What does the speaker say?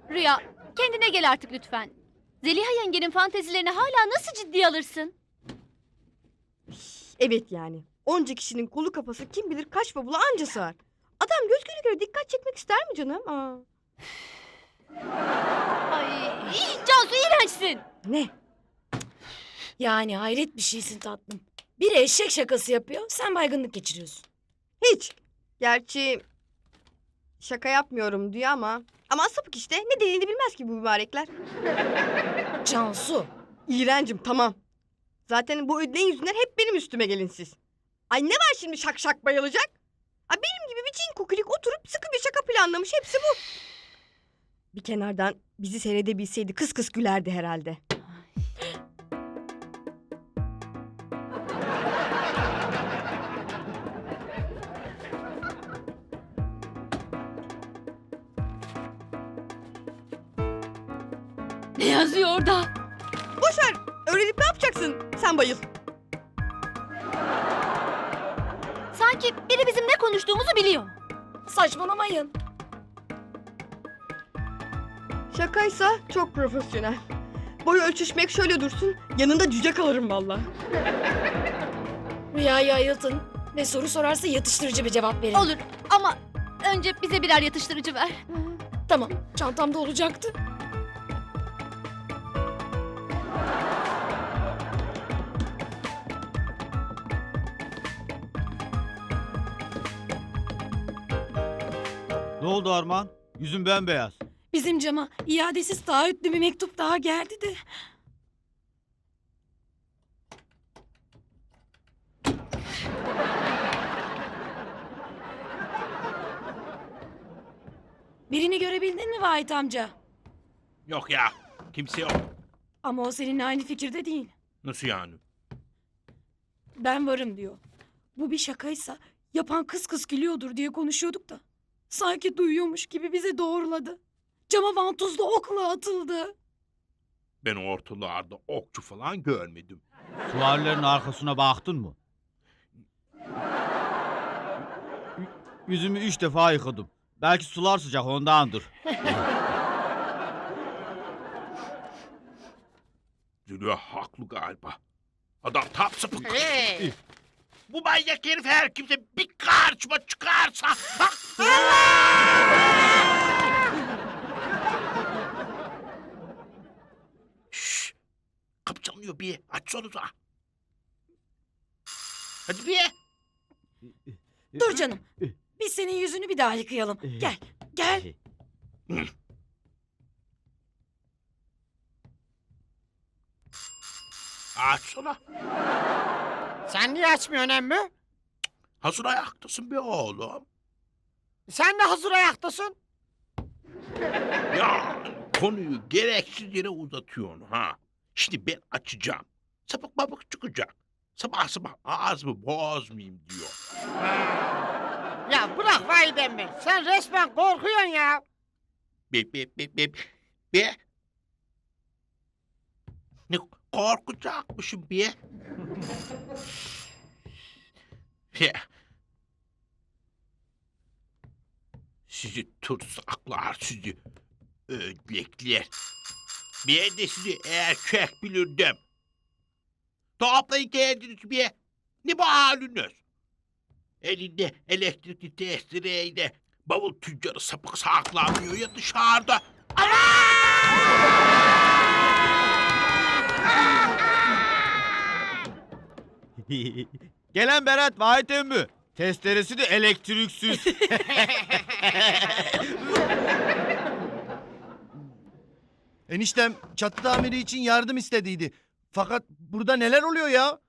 Rüya, kendine gel artık lütfen. Zeliha yengenin fantezilerini hala nasıl ciddiye alırsın? Evet yani. Onca kişinin kolu kafası kim bilir kaç bavula anca sığar. Adam göz göre göre dikkat çekmek ister mi canım? Aa. Ay, Cansu iğrençsin. Ne? Yani hayret bir şeysin tatlım. Biri eşek şakası yapıyor, sen baygınlık geçiriyorsun. Hiç. Gerçi şaka yapmıyorum diyor ama. Ama sapık işte. Ne dediğini bilmez ki bu mübarekler. Cansu. İğrencim tamam. Zaten bu ödleğin yüzünden hep benim üstüme gelin siz. Ay ne var şimdi şak şak bayılacak? Ay benim gibi bir cin kukulik oturup sıkı bir şaka planlamış, hepsi bu. Bir kenardan bizi seyredebilseydi kıs kıs gülerdi herhalde. Ne yazıyor orada? Boşver, öğrenip ne yapacaksın? Sen bayıl. Sanki biri bizim ne konuştuğumuzu biliyor. Saçmalamayın. Şakaysa çok profesyonel. Boyu ölçüşmek şöyle dursun, yanında cüce kalırım vallahi. Rüyayı ayıltın ve soru sorarsa yatıştırıcı bir cevap verin. Olur ama önce bize birer yatıştırıcı ver. Tamam, çantamda olacaktı. Ne oldu Armağan? Yüzün bembeyaz. Bizim cama iadesiz taahhütlü bir mektup daha geldi de. Birini görebildin mi Vahit amca? Yok ya. Kimse yok. Ama o seninle aynı fikirde değil. Nasıl yani? Ben varım diyor. Bu bir şakaysa yapan kıs kıs gülüyordur diye konuşuyorduk da. Sanki duyuyormuş gibi bizi doğruladı. Cama vantuzlu okla atıldı. Ben ortalarda okçu falan görmedim. Suvarların arkasına baktın mı? Yüzümü 3 defa yıkadım. Belki sular sıcak ondandır. Zülüyor haklı galiba. Adam tam sapık. Bu manyak herif her kimse bir karşıma çıkarsa... Şşş! Kapı çalınıyor bir. Açsanıza. Hadi bir. Dur canım. Biz senin yüzünü bir daha yıkayalım. Gel, gel. Açsana. Sen niye açmıyorsun emmi? Hazır ayaktasın be oğlum. Sen de hazır ayaktasın. Ya konuyu gereksiz yere uzatıyorsun ha. Şimdi ben açacağım. Sapık babık çıkacak. Sabah sabah ağzımı bozmayayım diyor. Ya bırak Vahit emmi. Sen resmen korkuyorsun ya. Be. Ne korkacakmışım be. Be. Sizi tutsaklar, sizi ödlekler. Ben de sizi erkek bilirdim. Toplayın kendiniz be. Ne bu haliniz? Elinde elektrikli testereyle bavul tüccarı sapık saklanmıyor ya dışarıda. Gelen Berat Vahit emmi. Testeresi de elektriksiz. Eniştem çatı tamiri için yardım istediydi. Fakat burada neler oluyor ya?